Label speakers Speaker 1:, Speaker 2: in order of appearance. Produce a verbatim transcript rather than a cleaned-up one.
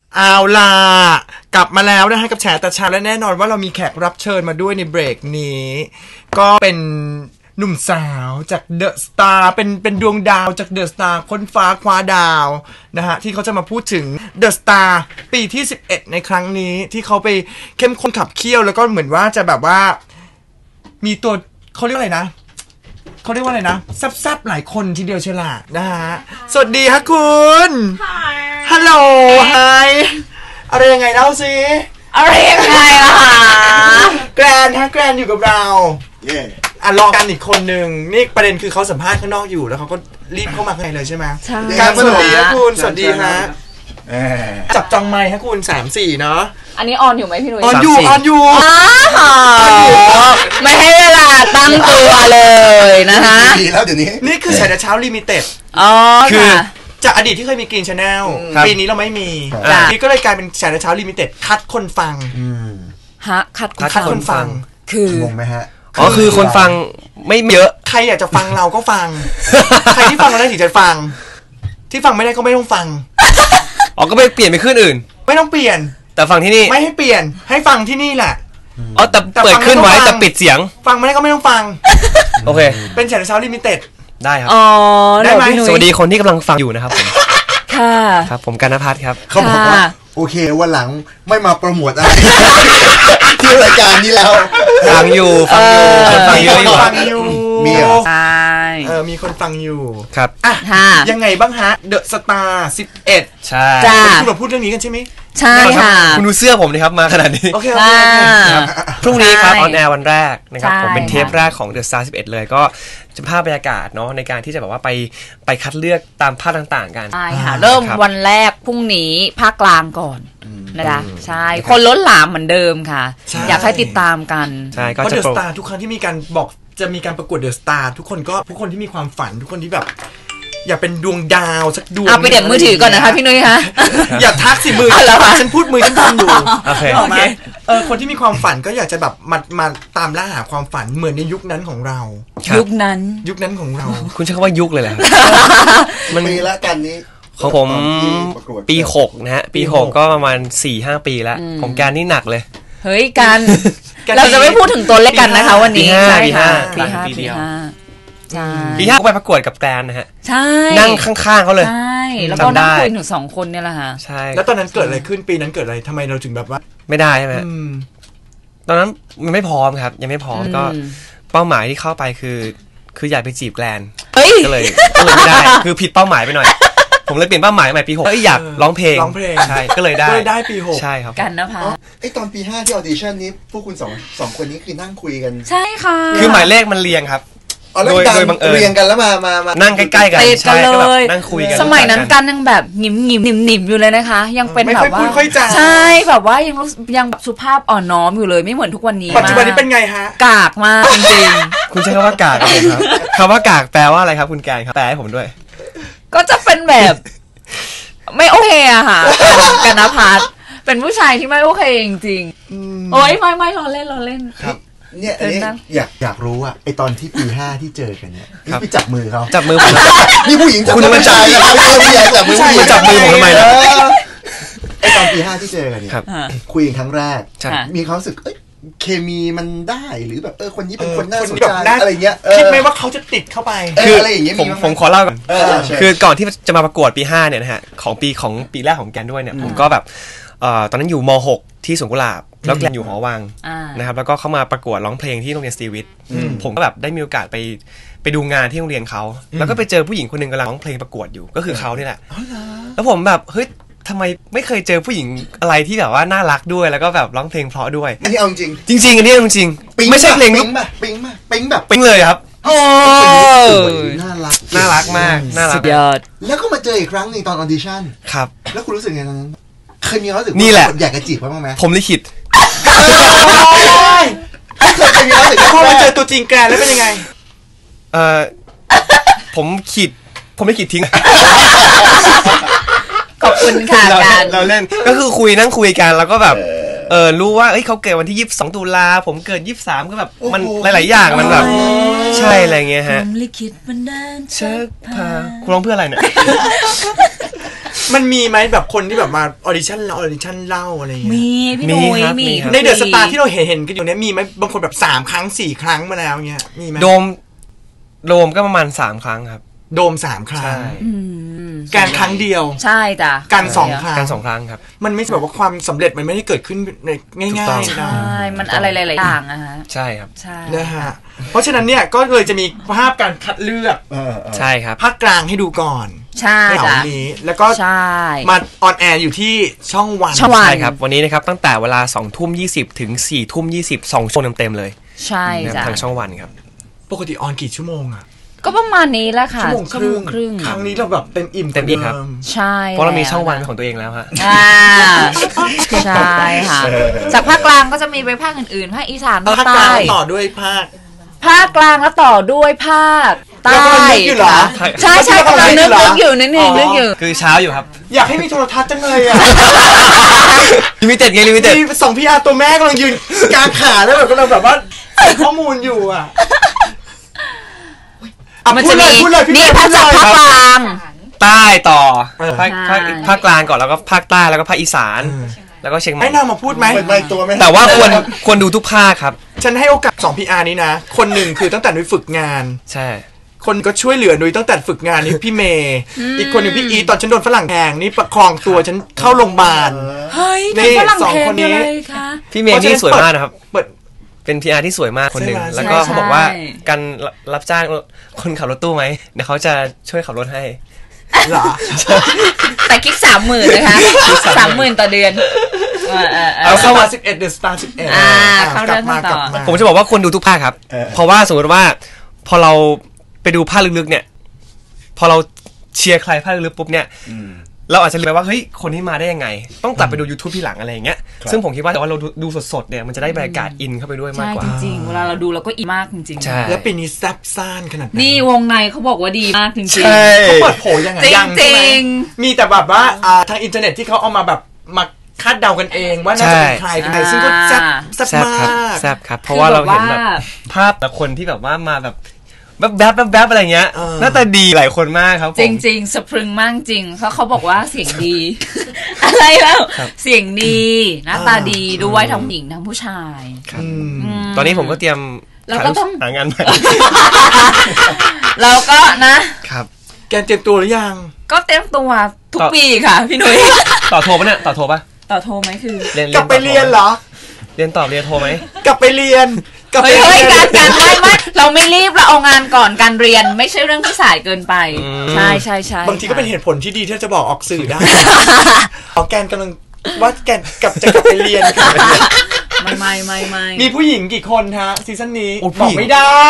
Speaker 1: เอาล่ะกลับมาแล้วนะฮะกับแฉแต่เช้าและแน่นอนว่าเรามีแขกรับเชิญมาด้วยในเบรกนี้ก็เป็นหนุ่มสาวจากเดอะสตาร์เป็นเป็นดวงดาวจากเดอะสตาร์ค้นฟ้าคว้าดาวนะฮะที่เขาจะมาพูดถึงเดอะสตาร์ปีที่สิบเอ็ดในครั้งนี้ที่เขาไปเข้มข้นขับเคี่ยวแล้วก็เหมือนว่าจะแบบว่ามีตัวเขาเรียกอะไรนะเขาเรียกว่าอะไรนะแซ่บๆหลายคนทีเดียวเชียวล่ะนะฮะสวัสดีฮะคุณฮัลโหลไฮอะไรยังไงเล่าสิ
Speaker 2: อะไรยังไงล่ะ
Speaker 1: แกรนฮะแกรนอยู่กับเราเย่อ่ะรอกันอีกคนหนึ่งนี่ประเด็นคือเขาสัมภาษณ์ข้างนอกอยู่แล้วเขาก็รีบเข้ามาข้างในเลยใช่ไหมใช่การสวัสดีฮะคุณสวัสดีฮะจับจองไมค์ฮะคุณสามสี่เนาะ
Speaker 2: อันนี้ออนอยู่ไหมพี่นุ้ย
Speaker 1: ออนอยู่ออนอยู่
Speaker 2: ไม่ให้เวลาตั้งตัวเลยนะคะ
Speaker 3: ดีแล้วเดี๋ยวนี้
Speaker 1: นี่คือฉายแต่เช้าลิมิเต็ด
Speaker 2: อ๋อ
Speaker 1: คือจากอดีตที่เคยมีกรีนชาแนลปีนี้เราไม่มีนี่ก็เลยกลายเป็นฉายแต่เช้าลิมิเต็ดคัดคนฟัง
Speaker 2: ฮะคัด
Speaker 1: คนฟัง
Speaker 3: คืองงไหมฮะ
Speaker 4: อ๋อคือคนฟังไม่เยอะ
Speaker 1: ใครอยากจะฟังเราก็ฟังใครที่ฟังเราได้ถึงจะฟังที่ฟังไม่ได้ก็ไม่ต้องฟัง
Speaker 4: อ๋อก็ไปเปลี่ยนไปขึ้นอื่น
Speaker 1: ไม่ต้องเปลี่ยน
Speaker 4: แต่ฟังที่นี่
Speaker 1: ไม่ให้เปลี่ยนให้ฟังที่นี่แหละ
Speaker 4: อ๋อแต่เปิดขึ้นไว้แต่ปิดเสียง
Speaker 1: ฟังไม่ได้ก็ไม่ต้องฟัง
Speaker 4: โอเค
Speaker 1: เป็นฉายแต่เช้าลิมิเต็ด
Speaker 4: ได้ครับ
Speaker 2: อ๋อ
Speaker 1: ได้ไหม
Speaker 4: สวัสดีคนที่กำลังฟังอยู่นะครับผม
Speaker 2: ค่ะ
Speaker 4: ครับผมกันณภัทรครับ
Speaker 3: เขาบอกว่าโอเควันหลังไม่มาโปรโมทอะไรที่รายการนี้แล้ว
Speaker 4: ฟังอยู่ฟังอยู่
Speaker 1: ฟังเยอะอยู่ฟังอยู่
Speaker 3: มี
Speaker 2: ใช่
Speaker 1: เออมีคนฟังอยู่
Speaker 4: ครับ
Speaker 1: อ่ะยังไงบ้างฮะเดอะสตาร์สิบเอ็ด
Speaker 4: ใช่
Speaker 1: คุณเราพูดเรื่องนี้กันใช่ไหม
Speaker 2: ใช่ค่ะ
Speaker 4: คุณดูเสื้อผมดิครับมาขนาดนี้
Speaker 1: โอเคโอเค
Speaker 4: พรุ่งนี้ครับออนแอร์วันแรกนะครับผมเป็นเทปแรกของ The Star สิบเอ็ดเลยก็จะภาพบรรยากาศเนาะในการที่จะแบบว่าไปไปคัดเลือกตามภาคต่างๆกัน
Speaker 2: ใช่ค่ะเริ่มวันแรกพรุ่งนี้ภาคกลางก่อนนะคะใช่คนล้นหลามเหมือนเดิมค่ะอยากให้ติดตามกัน
Speaker 4: ใช่ก็
Speaker 1: จะ The Star ทุกครั้งที่มีการบอกจะมีการประกวด The Star ทุกคนก็ทุกคนที่มีความฝันทุกคนที่แบบอยากเป็นดวงดาวสักดวง
Speaker 2: เอาไปเด็ดมือถือก่อนนะคะพี่นุ้ยคะ
Speaker 1: อยากทักสิมือฉันพูดมือฉันทำอยู่
Speaker 4: โอเค
Speaker 1: เออคนที่มีความฝันก็อยากจะแบบมามาตามล่าหาความฝันเหมือนในยุคนั้นของเรา
Speaker 2: ยุคนั้น
Speaker 1: ยุคนั้นของเรา
Speaker 4: คุณใช้คำว่ายุคเลยแหละ
Speaker 3: มันมีละกันนี้
Speaker 4: ของผมปีหกนะฮะปีหกก็ประมาณ สี่ห้า ปีแล้วของการนี่หนักเลย
Speaker 2: เฮ้ยกันเราจะไม่พูดถึงตัวเลขกันนะคะวันนี้
Speaker 4: ใช่ค่ะ
Speaker 2: ปีห้าปีห้าใช่
Speaker 4: ปีห้าไปประกวดกับแกรนนะฮะ
Speaker 2: ใช่
Speaker 4: นั่งข้างๆเขาเลย
Speaker 2: ใช่แล้วก็นั่งคุยถึงสองคนเนี่ยแหละฮะ
Speaker 4: ใช่
Speaker 1: แล้วตอนนั้นเกิดอะไรขึ้นปีนั้นเกิดอะไรทำไมเราถึงแบบว่า
Speaker 4: ไม่ได้ใช่ไหมตอนนั้นมันไม่พร้อมครับยังไม่พร้อมก็เป้าหมายที่เข้าไปคือคืออยากไปจีบแกรนก็เลยก็เลยไม่ได้คือผิดเป้าหมายไปหน่อยผมเลยเปลี่ยนเป้าหมายใหม่ปีหกอยากร้องเพลง
Speaker 1: ร้องเพลง
Speaker 4: ใช่ก็เลยได้
Speaker 1: ก็เลยได้ปีหก
Speaker 4: ใช่ครับ
Speaker 2: กันนะพัทร
Speaker 3: ไอตอนปีห้าที่ออดิชั่นนี้พวกคุณสองสองคนนี้คือนั่งคุยกัน
Speaker 2: ใช่ค่ะ
Speaker 4: คือหมายเลขมันเรียงครับ
Speaker 3: โดยโดยบังเอิญเรียงกันแล้วมามามา
Speaker 4: นั่งใกล้ๆกัน
Speaker 2: ใช่ก็แบบ
Speaker 4: นั่งคุยกัน
Speaker 2: สมัยนั้นกันยังแบบหนิมหนิมหนิมหนิมอยู่เลยนะคะยังเป็นแบบว่าใช่แบบว่ายังยังแบบสุภาพอ่อนน้อมอยู่เลยไม่เหมือนทุกวันนี้
Speaker 1: ปัจจุบันนี้เป็นไงฮะ
Speaker 2: กากมากจริง
Speaker 4: ๆคุณใช้คำว่ากากครับคำว่ากากแปลว่าอะไรครับคุณแกนครับแปลให้ผมด้วย
Speaker 2: ก็จะเป็นแบบไม่โอเคอะค่ะกันนภัทรเป็นผู้ชายที่ไม่โอเคจริงๆโอ๊ยไม่ไม่ล้อเล่นล้อเล่น
Speaker 3: ครับเนี่ยอันนี้อยากอยากรู้อะไอตอนที่ปีห้าที่เจอกันเนี่ยนี่ไปจับมือเขา
Speaker 4: จับมือผม
Speaker 3: นี่ผู้หญิง
Speaker 4: คุณ
Speaker 3: มันใจนะครับผู้หญิงจับมือผู้หญิง
Speaker 4: จับมือผมทำไมล่ะ
Speaker 3: ไอตอนปีห้าที่เจอกันเนี่ยคุยกันครั้งแรกมีความรู้สึกเอ้ยเคมีมันได้หรือแบบเออคนนี้เป็นคนน่าสนใจอะไรเงี้ย
Speaker 1: คิดไหมว่าเขาจะติดเข้าไป
Speaker 3: คืออะไรอย่างเงี้ย
Speaker 4: ผมผมขอเล่าก่อนคือก่อนที่จะมาประกวดปีห้าเนี่ยนะฮะของปีของปีแรกของแกนด้วยเนี่ยผมก็แบบตอนนั้นอยู่ม.หกที่สวนกุหลาบแล้วแกนอยู่หอวังนะครับแล้วก็เข้ามาประกวดร้องเพลงที่โรงเรียนสตรีวิทย์ผมก็แบบได้มีโอกาสไปไปดูงานที่โรงเรียนเขาแล้วก็ไปเจอผู้หญิงคนนึงกำลังร้องเพลงประกวดอยู่ก็คือเขานี่แหละแล้วผมแบบเฮ้ยทำไมไม่เคยเจอผู้หญิงอะไรที่แบบว่าน่ารักด้วยแล้วก็แบบร้องเพลงเพราะด้วย
Speaker 3: อันนี้เอาจริง
Speaker 4: จริงๆอันนี้จริงๆไม่ใช่เพลง
Speaker 3: ปิ๊งแบบปิ๊งแบบปิ๊งแบบ
Speaker 4: ปิ๊งเลยครับ
Speaker 2: โอ้
Speaker 3: น่ารัก
Speaker 4: น่ารักมากน่ารัก
Speaker 2: ยอด
Speaker 3: แล้วก็มาเจออีกครั้งนึงตอนออดิชั่น
Speaker 4: ครับ
Speaker 3: แล้วคุณรู้สึกไงตอนนั้นเคยมีความรู้สึก
Speaker 4: นี่แหละ
Speaker 3: อยากจะจีบเขาบ้างไหม
Speaker 4: ผมลิขิต
Speaker 3: เคยมีความรู้สึก
Speaker 1: พอมาเจอตัวจริงแกแล้วเป็นยังไง
Speaker 4: เออผมขีดผมไม่ขีดทิ้ง
Speaker 2: ขอบคุณค่ะการ
Speaker 4: เราเล่นก็คือคุยนั่งคุยกันแล้วก็แบบเออรู้ว่าเอ้ยเขาเกิดวันที่ยี่สิบสองตุลาผมเกิดยี่สิบสามก็แบบมันหลายๆอย่างมันแบบใช่อะไรเงี้ยฮะ
Speaker 2: ลิขิตบันดาล
Speaker 4: เชิญพาคุณร้องเพื่ออะไรเนี่ย
Speaker 1: มันมีไหมแบบคนที่แบบมาออดิชั่นเราออดิชั่นเล่าอะไรอย่างเงี้ย
Speaker 2: มีพี่หนุ่ยมี
Speaker 1: ในเดอะสตาร์ที่เราเห็นเห็นกันอยู่เนี้ยมีไหมบางคนแบบสามครั้งสี่ครั้งมาแล้วเงี้ยมีไหม
Speaker 4: โดมโดมก็ประมาณสามครั้งครับ
Speaker 1: โดมสามครั้ง
Speaker 4: ใช่
Speaker 1: การครั้งเดียว
Speaker 2: ใช่จ้ะ
Speaker 1: การสองครั้ง
Speaker 4: การสองครั้งครับ
Speaker 1: มันไม่ใช่แบบว่าความสำเร็จมันไม่ได้เกิดขึ้นง่ายๆนะ
Speaker 2: ใช่มันอะไรหลายๆอย่างอะฮะ
Speaker 4: ใช่ครับ
Speaker 2: ใช่
Speaker 1: นะฮะเพราะฉะนั้นเนี่ยก็เลยจะมีภาพการคัดเลือก
Speaker 4: ใช่ครับ
Speaker 1: ภาคกลางให้ดูก่อน
Speaker 2: ใช่
Speaker 1: จ้ะนี้แล้วก็มาออนแอร์อยู่ที่ช่องวัน
Speaker 2: ช่องวัน
Speaker 4: ใช่ครับวันนี้นะครับตั้งแต่เวลาสองทุ่มยี่สิบถึงสี่ทุ่มยี่สิบสองชั่วโมงเต็มๆเลย
Speaker 2: ใช่จ้ะ
Speaker 4: ทางช่องวันครับ
Speaker 1: ปกติออนกี่ชั่วโมงอะ
Speaker 2: ก็ประมาณนี้แหละค่ะ
Speaker 1: ชั่วโมงครึ่งครั้งนี้เราแบบเต็มอิ่ม
Speaker 4: เต็มอิ่มครับ
Speaker 2: ใช่
Speaker 4: เพราะเรามีช่องวันของตัวเองแล้วฮะ
Speaker 2: ใช่ค่ะจากภาคกลางก็จะมีไปภาคอื่นๆภาคอีสานภาคใต้
Speaker 1: ต่อด้วยภาค
Speaker 2: ภาคกลางแล้วต่อด้วยภาคใต้ใช่ใช่กำลังนึกนึกอยู่นึกนึกอยู่
Speaker 4: คือเช้าอยู่ครับ
Speaker 1: อยากให้มีโทรทัศน์จังเลยอ่ะ
Speaker 4: ลิมิเต็ดไงลิมิเต็ด
Speaker 1: สองพี่อาตัวแม่กำลังยืนกลางขาแล้วแบบกำลังแบบว่าใส่ข้อมูลอยู่อ่ะ
Speaker 2: มันจะมีนี่ภาคจากภาคกลาง
Speaker 4: ใต้ต่อภาคภาคภาคกลางก่อนแล้วก็ภาคใต้แล้วก็ภาคอีสานแล้วก็เชียงใหม่
Speaker 1: ให้นางมาพูดไหม
Speaker 4: แต่ว่าควรควรดูทุกภาคครับ
Speaker 1: ฉันให้โอกาสสองพีอาร์นี้นะคนหนึ่งคือตั้งแต่นุ้ยฝึกงาน
Speaker 4: ใช่
Speaker 1: คนก็ช่วยเหลือนุ้ยตั้งแต่ฝึกงานนี่พี่เมย์อีกคนหนึ่งพี่อีตอนฉันโดนฝรั่งแทงนี่ประคองตัวฉันเข้าโรงพยาบาล
Speaker 2: เฮ้ยสองคนนี้
Speaker 4: พี่เมย์นี่สวยมากนะครับเป็น พี อาร์ ที่สวยมากคนหนึ่งแล้วก็เขาบอกว่าการรับจ้างคนขับรถตู้ไหมเดี๋ยวเขาจะช่วยขับรถให้
Speaker 1: เหรอ
Speaker 2: แต่คิดสามหมื่นนะคะสามหมื่นต่อเดือน
Speaker 1: เอาเข้ามาสิบเอ็ดเดอะสตาร์สิบเอ็ด
Speaker 2: เข้าเรื่องต่อ
Speaker 4: ผมจะบอกว่าควรดูทุกภาคครับเพราะว่าสมมติว่าพอเราไปดูภาคลึกๆเนี่ยพอเราเชียร์ใครภาคลึกๆปุ๊บเนี่ยเราอาจจะลืมไปว่าเฮ้ยคนนี้มาได้ยังไงต้องกลับไปดู YouTube ที่หลังอะไรอย่างเงี้ยซึ่งผมคิดว่าแต่ว่าเราดูสดๆเนี่ยมันจะได้บรรยากาศอินเข้าไปด้วยมากกว่า
Speaker 2: จริงๆเวลาเราดูเราก็อินมากจริง
Speaker 4: ๆ
Speaker 1: แล้วปีนี้แซ่บซ่านขนาดนั้น
Speaker 2: นี่วงในเขาบอกว่าดีมากจริงๆ
Speaker 1: เขาเปิดโผยังไง
Speaker 2: ยังใช่ไหม
Speaker 1: มีแต่แบบว่าทางอินเทอร์เน็ตที่เขาเอามาแบบมาคาดเดากันเองว่าน่าจะเป็นใครกันซึ่งก็แซ่บแซ่บมาก
Speaker 4: แซ่บครับเพราะว่าเราเห็นแบบภาพแต่คนที่แบบว่ามาแบบแบบแบบแบบแบบอะไรเงี้ยหน้าตาดีหลายคนมากครับ
Speaker 2: จริงจริงสะพรึงมากจริงเพราะเขาบอกว่าเสียงดีอะไรแล้วเสียงดีหน้าตาดีด้วยทั้งหญิงทั้งผู้ชาย
Speaker 4: ตอนนี้ผมก็เตรียม
Speaker 2: เราก็ต้อง
Speaker 4: หางานใหม่
Speaker 2: เราก็นะครับ
Speaker 1: แกเตรียมตัวหรือยัง
Speaker 2: ก็เตรียมตัวทุกปีค่ะพี่นุ้ย
Speaker 4: ต่อโทรปะเนี่ยต่อโทรปะ
Speaker 2: ต่อโทรไหมคือก
Speaker 1: ลับไปเรียนเหรอ
Speaker 4: เรียนต่อเรียนโทรไหม
Speaker 1: กลับไปเรียน
Speaker 2: เฮ้ยเฮ้ยการการไม่ไม่เราไม่รีบเราเอางานก่อนการเรียนไม่ใช่เรื่องที่สายเกินไปใช่ใช่ใช่
Speaker 1: บางทีก็เป็นเหตุผลที่ดีที่จะบอกออกสื่อได้เอาแกนกำลังว่าแกนกลับจะกลับไปเรียน
Speaker 2: ไม่ไม่ไม่ไม่
Speaker 1: มีผู้หญิงกี่คนฮะซีซั่นนี้บอกไม่ได้